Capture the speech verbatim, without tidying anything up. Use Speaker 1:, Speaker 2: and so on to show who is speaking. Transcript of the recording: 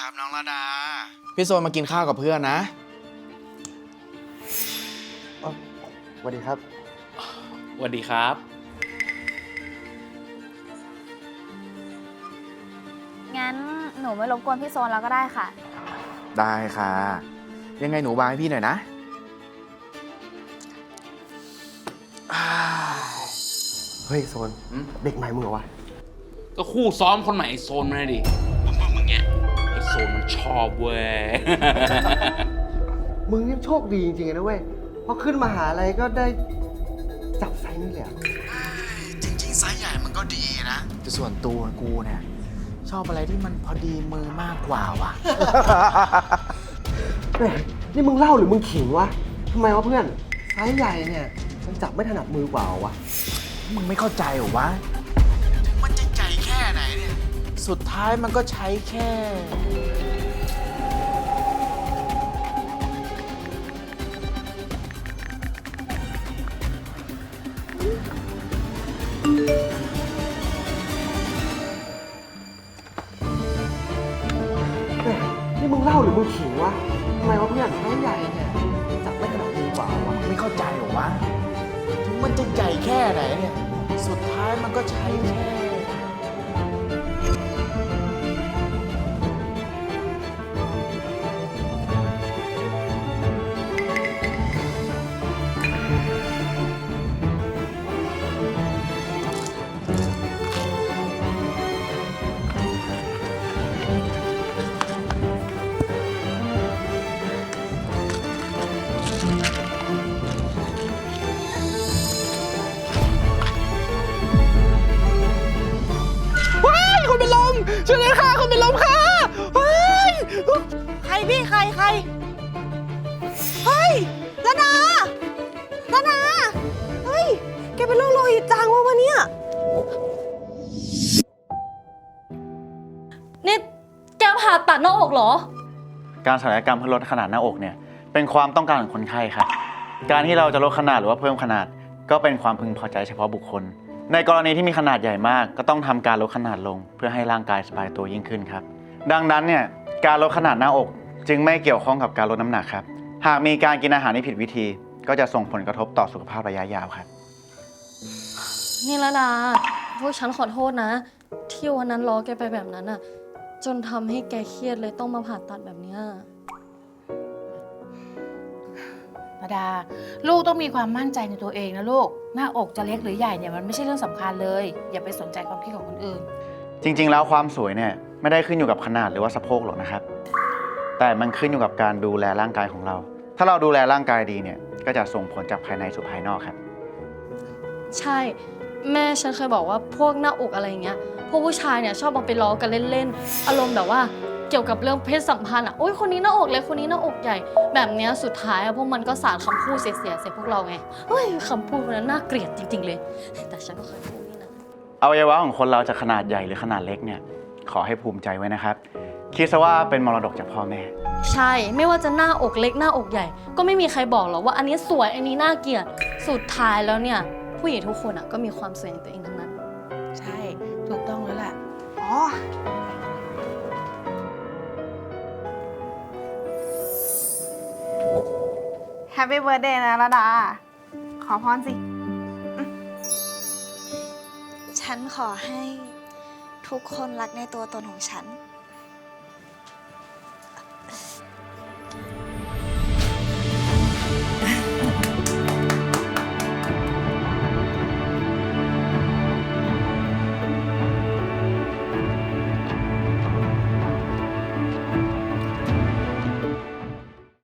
Speaker 1: ครับน้องระดาพี่โซนมากินข้าวกับเพื่อนนะ
Speaker 2: สวัสดีครับ
Speaker 3: สวัสดีครับ
Speaker 4: งั้นหนูไม่รบกวนพี่โซนแล้วก็ได้ค่ะ
Speaker 1: ได้ค่ะยังไงหนูบายให้พี่หน่อยนะ
Speaker 2: เฮ้ยโซนเด็กใหม่มึงเหรอวะ
Speaker 3: ก็คู่ซ้อมคนใหม่ไอโซนมาดิมึงมึงมึงเนี้ยไอโซนมันชอบเว้ย
Speaker 2: มึงนี่โชคดีจริงๆนะเว้ยพอขึ้นมาหาอะไรก็ได้จับไซส์นี่แหละ
Speaker 1: จริงๆไซส์ใหญ่มันก็ดีนะแต่ส่วนตัวกูเนี่ยชอบอะไรที่มันพอดีมือมากกว่าว่ะ
Speaker 2: แหมนี่มึงเล่าหรือมึงขิงวะทำไมวะเพื่อนไซส์ใหญ่เนี่ยมันจับไม่ถนัดมือกว่าวะ
Speaker 1: มึงไม่เข้าใจเหรอวะถึงมันจะใหญ่แค่ไหนเนี่ยสุดท้ายมันก็ใช้แค่
Speaker 2: นี่มึงเล่าหรือมึงขิงวะทำไมวะเพื่อนไซส์ใหญ่เนี่ยจับไม่ถนัดมือกว่าวะ
Speaker 1: มึงไม่เข้าใจเหรอวะถึงมันจะใหญ่แค่ไหนเนี่ยสุดท้ายมันก็ใช้แค่ช่วยด้วยค่ะคนเป็นลมค่ะเฮ้ย
Speaker 4: ใครพี่ใครใครเฮ้ยระดาระดาเฮ้ยแกเป็นโรคโลหิตจางวะวะเนี่ยนี่แกผ่าตัดหน้าอกเหรอ
Speaker 5: การศัลยกรรมเพื่อลดขนาดหน้าอกเนี่ยเป็นความต้องการของคนไข้ครับการที่เราจะลดขนาดหรือว่าเพิ่มขนาดก็เป็นความพึงพอใจเฉพาะบุคคลในกรณีที่มีขนาดใหญ่มากก็ต้องทำการลดขนาดลงเพื่อให้ร่างกายสบายตัวยิ่งขึ้นครับดังนั้นเนี่ยการลดขนาดหน้าอกจึงไม่เกี่ยวข้องกับการลดน้ำหนักครับหากมีการกินอาหารที่ผิดวิธีก็จะส่งผลกระทบต่อสุขภาพระยะยาวครับ
Speaker 6: นี่ละดาพวกฉันขอโทษนะที่วันนั้นล้อแกไปแบบนั้นอะจนทำให้แกเครียดเลยต้องมาผ่าตัดแบบนี้
Speaker 7: ระดาลูกต้องมีความมั่นใจในตัวเองนะลูกหน้าอกจะเล็กหรือใหญ่เนี่ยมันไม่ใช่เรื่องสำคัญเลยอย่าไปสนใจความคิดของคนอื่น
Speaker 5: จริงๆแล้วความสวยเนี่ยไม่ได้ขึ้นอยู่กับขนาดหรือว่าสะโพกหรอกนะครับแต่มันขึ้นอยู่กับการดูแลร่างกายของเรา ถ้าเราดูแลร่างกายดีเนี่ยก็จะส่งผลจากภายในสู่ภายนอกครับ
Speaker 6: ใช่แม่ฉันเคยบอกว่าพวกหน้าอกอะไรอย่างเงี้ยพวกผู้ชายเนี่ยชอบเอาไปล้อกันเล่นๆอารมณ์แบบว่าเกี่ยวกับเรื่องเพศสัมพันธ์อ่ะโอ๊ยคนนี้หน้าอกเล็กคนนี้หน้าอกใหญ่แบบเนี้ยสุดท้ายพวกมันก็สาดคำพูดเสียๆใส่พวกเราไงเฮ้ยคำพูดนั้นน่าเกลียดจริงๆเลยแต่ฉันก็เคยพูดนี่นะ
Speaker 5: อวัยวะของคนเราจะขนาดใหญ่หรือขนาดเล็กเนี่ยขอให้ภูมิใจไว้นะครับคิดซะว่าเป็นมรดกจากพ่อแม่
Speaker 6: ใช่ไม่ว่าจะหน้าอกเล็กหน้าอกใหญ่ก็ไม่มีใครบอกหรอกว่าอันนี้สวยอันนี้น่าเกลียดสุดท้ายแล้วเนี่ยผู้หญิงทุกคนอ่ะก็มีความสวยในตัวเองทั้งนั้น
Speaker 7: ใช่ถูกต้องแล้วล่ะ
Speaker 4: อ๋อแฮปปี้เบิร์ธเดย์นะระดาขอพรสิ
Speaker 8: ฉันขอให้ทุกคนรักในตัวตนของฉัน